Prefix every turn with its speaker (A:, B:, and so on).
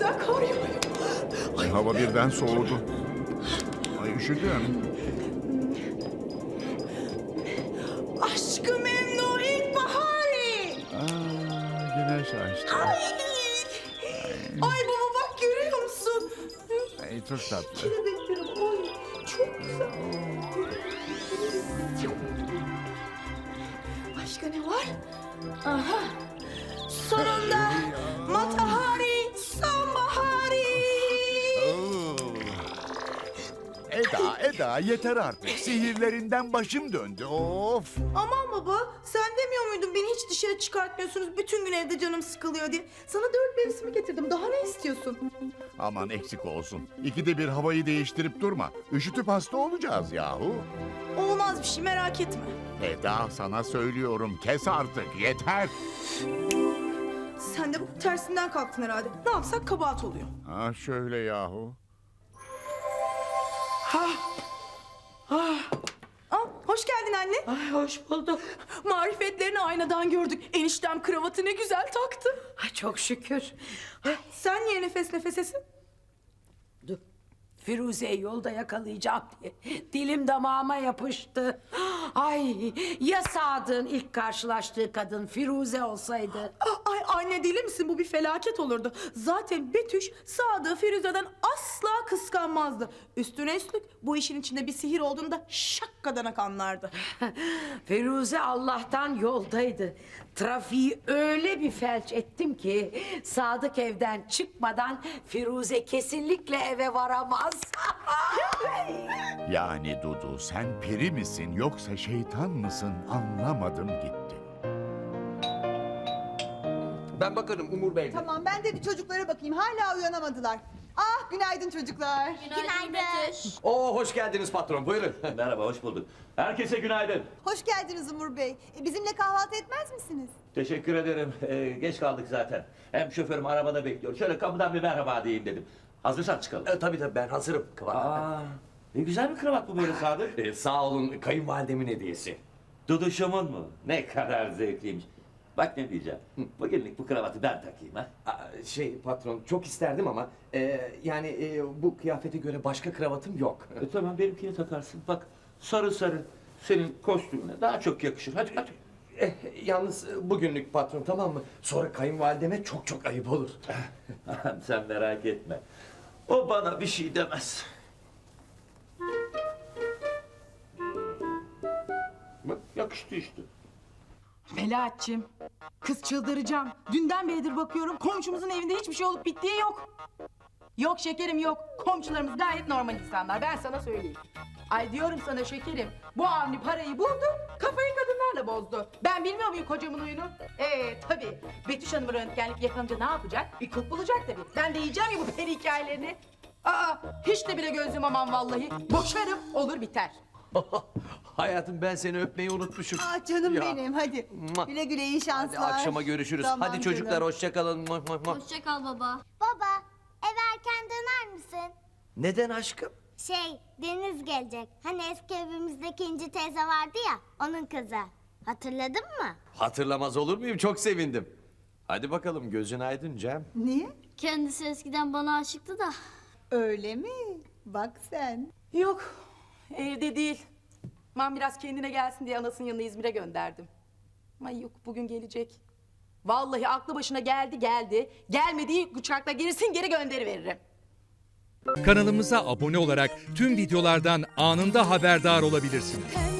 A: güzel kar yağıyor.
B: Ay, hava birden soğudu. Ay üşüdüm.
A: Aşkı memnu ilkbahari.
B: Güneş açtı.
A: Ay baba bak görüyor musun?
B: Ay, çok tatlı.
A: Kelebeklerim ay çok güzel. Başka ne var? Aha. Sonunda Matahari sonbahari.
B: Eda yeter artık. Sihirlerinden başım döndü. Of.
A: Aman baba sen demiyor muydun beni hiç dışarı çıkartmıyorsunuz bütün gün evde canım sıkılıyor diye. Sana 4 mevsimi getirdim daha ne istiyorsun?
B: Aman eksik olsun. İkide bir havayı değiştirip durma. Üşütüp hasta olacağız yahu.
A: Olmaz bir şey merak etme.
B: Eda sana söylüyorum kes artık yeter.
A: Sen de bu tersinden kalktın herhalde. Ne yapsak kabahat oluyor.
B: Ha şöyle yahu.
A: Hoş geldin anne.
C: Ay hoş bulduk.
A: Marifetlerini aynadan gördük. Eniştem kravatı ne güzel taktı.
C: Ay çok şükür.
A: Sen niye nefes nefesesin?
C: Dur. Firuze'yi yolda yakalayacağım diye dilim damağıma yapıştı. Ay ya Sadık'ın ilk karşılaştığı kadın Firuze olsaydı.
A: Ay anne deli misin? Bu bir felaket olurdu. Zaten Betüş Sadık'ı Firuze'den asla kıskanmazdı. Üstüne üstlük bu işin içinde bir sihir olduğunda şakkadanak anlardı.
C: Firuze Allah'tan yoldaydı. Trafiği öyle bir felç ettim ki Sadık evden çıkmadan Firuze kesinlikle eve varamaz.
B: Yani Dudu sen peri misin yoksa şeytan mısın anlamadım gitti.
D: Ben bakarım Umur Bey.
E: Tamam ben de bir çocuklara bakayım. Hala uyanamadılar. Ah günaydın çocuklar.
F: Günaydın.
D: Oo hoş geldiniz patron buyurun.
G: Merhaba, hoş bulduk. Herkese günaydın.
E: Hoş geldiniz Umur Bey. Bizimle kahvaltı etmez misiniz?
G: Teşekkür ederim. Geç kaldık zaten. Hem şoförüm arabada bekliyor. Şöyle kapıdan bir merhaba diyeyim dedim. Hazırsan çıkalım.
D: Tabii ben hazırım.
G: Ne güzel bir kravat bu böyle Sadık.
D: Sağ olun kayınvalidemin hediyesi.
G: Duduşumun mu? Ne kadar zevkliymiş. Bak ne diyeceğim. Bugünlük bu kravatı ben takayım ha.
D: Patron çok isterdim ama yani bu kıyafete göre başka kravatım yok.
G: Tamam benimkini takarsın. Bak sarı sarı senin kostümüne daha çok yakışır. Hadi hadi.
D: Yalnız bugünlük patron tamam mı? Sonra kayınvalideme çok ayıp olur.
G: Sen merak etme. O bana bir şey demez. Bak yakıştı işte.
A: Melahat'cığım, kız çıldıracağım. Dünden beridir bakıyorum komşumuzun evinde hiçbir şey olup bittiği yok. Yok şekerim yok. Komşularımız gayet normal insanlar ben sana söyleyeyim. Ay diyorum sana şekerim. Bu Avni parayı buldu, kafayı kadınlarla bozdu. Ben bilmiyor muyum kocamın huyunu? Tabii. Betüş Hanım'ı röntgenlik yakalanınca ne yapacak? Bir kılık bulacak tabii. Ben de yiyeceğim ya bu peri hikayelerini. Hiç de bile gözüm aman vallahi. Boşarım olur biter.
D: Hayatım ben seni öpmeyi unutmuşum.
E: Ah canım
D: Ya.
E: benim hadi.
D: Mua.
E: Güle güle iyi şanslar.
D: Hadi akşama görüşürüz.
E: Tamam
D: Hadi çocuklar
E: canım.
D: hoşça kalın.
F: Hoşça kal baba. Baba, eve erken döner misin?
D: Neden aşkım?
F: Deniz gelecek. Hani eski evimizdeki İnci teyze vardı ya, onun kızı. Hatırladın mı?
D: Hatırlamaz olur muyum? Çok sevindim. Hadi bakalım gözün aydın Cem.
E: Niye?
F: Kendisi eskiden bana aşıktı da.
E: Öyle mi? Bak sen.
A: Yok, evde değil. Ben biraz kendine gelsin diye anasının yanına İzmir'e gönderdim. Ama yok, bugün gelecek. Vallahi aklı başına geldi. Gelmediği uçakla gerisin geri gönderiveririm.
H: Kanalımıza abone olarak tüm videolardan anında haberdar olabilirsiniz.